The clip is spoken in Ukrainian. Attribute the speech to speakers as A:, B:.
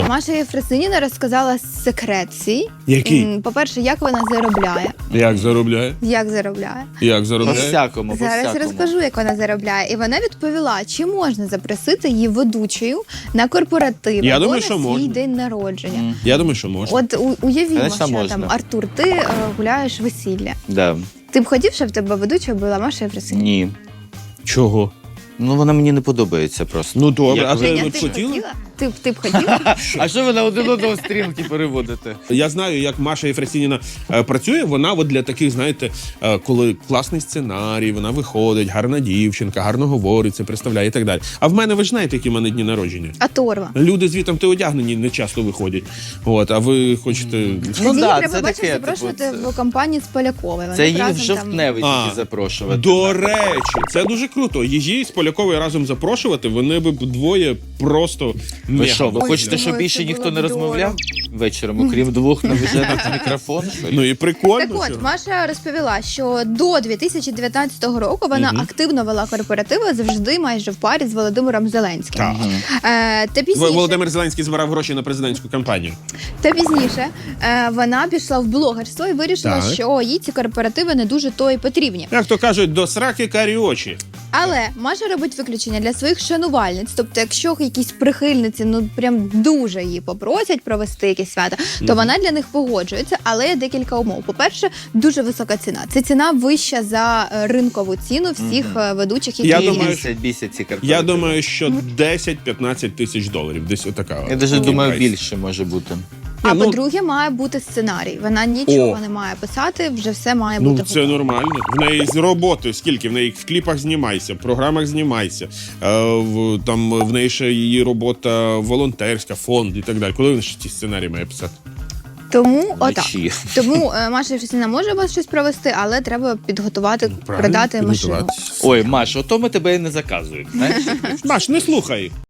A: Маша Єфросиніна розказала секрет свій.
B: Який?
A: По-перше, як вона заробляє.
B: Як заробляє?
A: Як заробляє?
B: Як заробляє?
C: По-всякому,
A: Зараз
C: по-всякому.
A: розкажу, як вона заробляє. І вона відповіла, чи можна запросити її ведучою на корпоратив
B: Я
A: або
B: думаю,
A: на
B: що
A: свій
B: можна.
A: день народження.
B: Я думаю, що можна.
A: От уявімо,
C: Конечно,
A: що
C: можна.
A: там, Артур, ти гуляєш весілля.
C: Да.
A: Ти б хотів, щоб в тебе ведучою була Маша Єфросиніна?
C: Ні.
B: Чого?
C: Ну, вона мені не подобається просто.
B: Ну добре,
C: Як
B: а
C: ви-
B: ти
A: Женя,
B: от
A: ти б
B: хотіла?
A: хотіла? Ти б хотіла?
C: А що ви на один одного стрілки переводите?
B: Я знаю, як Маша Єфросиніна працює. Вона от для таких, знаєте, коли класний сценарій, вона виходить, гарна дівчинка, гарно говорить, це представляє і так далі. А в мене, ви ж знаєте, які в мене дні народження.
A: А Торва?
B: Люди звітом ти одягнені не часто виходять. От, а ви хочете.
C: Ну
A: Тоді
C: да,
A: треба,
C: це
A: бачиш,
C: таке,
A: запрошувати
C: типу,
A: в компанії з Поляковою. Вони
C: Це її в
A: разом там-
C: жовтневий
B: А,
C: тільки запрошувати.
B: До речі, це дуже круто. Її з Поляковою разом запрошувати, вони б двоє просто
C: Ви
B: мега.
C: що, ви
A: Ой,
C: хочете, щоб
A: думаю,
C: більше
A: це
C: ніхто
A: було
C: не
A: б
C: розмовляв вечором, окрім двох навіжених мікрофон? що ли?
B: Ну і прикольно.
A: Так
B: що.
A: от, Маша розповіла, що до 2019 року вона активно вела корпоративи, завжди майже в парі з Володимиром Зеленським.
B: Так.
A: Та пізніше,
B: Володимир Зеленський збирав гроші на президентську кампанію.
A: вона пішла в блогерство і вирішила,
B: Так.
A: що їй ці корпоративи не дуже то й потрібні.
B: Як то кажуть, до сраки карі очі.
A: Але Маша робить виключення для своїх шанувальниць. Тобто, якщо якісь прихильниці ну прям дуже її попросять провести якесь свято, то вона для них погоджується. Але є декілька умов. По-перше, дуже висока ціна. Це ціна вища за ринкову ціну всіх ведучих, які
B: Я
A: є.
B: думаю,
C: Бісять ці корпоративи.
B: Я думаю, що 10-15 тисяч доларів. Десь отака.
C: Я навіть думаю,
B: прайс.
C: більше може бути.
A: А
B: ну-
A: по-друге, має бути сценарій. Вона нічого
B: О.
A: не має писати, вже все має
B: Ну,
A: бути
B: це
A: готово.
B: нормально. В неї з роботи скільки? В неї в кліпах знімайся, в програмах знімайся. Там в неї ще її робота волонтерська, фонд і так далі. Коли вона ще ці сценарії має писати?
A: Тому отак.
C: Вночі.
A: Тому Маша Єфросиніна може вас щось провести, але треба підготувати,
B: Правильно,
A: продати машину.
B: підготуватися.
C: Ой, Маш, ото ми тебе і не заказують, знаєш?
B: Маш, не слухай.